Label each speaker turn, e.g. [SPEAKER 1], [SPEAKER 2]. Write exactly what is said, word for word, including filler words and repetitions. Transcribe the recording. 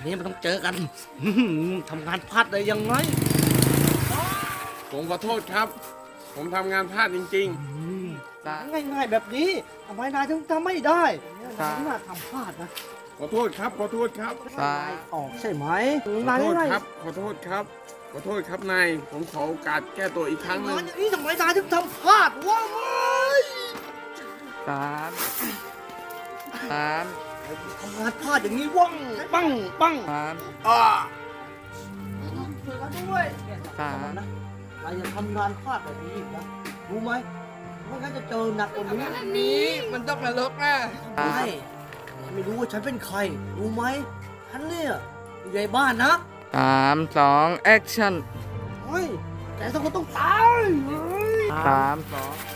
[SPEAKER 1] นี้มันต้องเจอกันทำงานพลาดได้ยังไง
[SPEAKER 2] ผมขอโทษครับ ผมทำงานพลาดจริง
[SPEAKER 1] ง่ายๆแบบนี้ทำไมนายถึงทำไม่ได้นายน่าทำพลาดนะ
[SPEAKER 2] ๆ ขอโทษครับ ขอโทษครับ
[SPEAKER 1] นายออกใช่ไหม
[SPEAKER 2] ขอน
[SPEAKER 1] าย
[SPEAKER 2] โทษ
[SPEAKER 1] นาย
[SPEAKER 2] ครับ ขอโทษครับ ขอโทษครับนาย ผมขอโอกาสแก้ตัวอีกครั้งหนึ่ง
[SPEAKER 1] อย่างนี้ทำไมนายถึงทำพลาดวะไม่
[SPEAKER 3] สามสาม
[SPEAKER 1] ทำงานพลาดอย่างนี้ว่องปังปัง
[SPEAKER 3] สาม
[SPEAKER 1] อ่าช่วยกันด้วย
[SPEAKER 3] สาม
[SPEAKER 1] นะนายอย่าทำงานพลาดแบบนี้อีกนะรู้ไหมไม่งั้นจะเจอหนักกว่านี้
[SPEAKER 3] อันนี้มันต้องนรกนะ
[SPEAKER 1] ใช่ไม่รู้ว่าฉันเป็นใคร รู้ไหมฉันเนี่ยอยู่ในบ้านนะ
[SPEAKER 3] สามสองแอคชั่น
[SPEAKER 1] เฮ้ยแกต้องก็ต้องตาย
[SPEAKER 3] สามสอง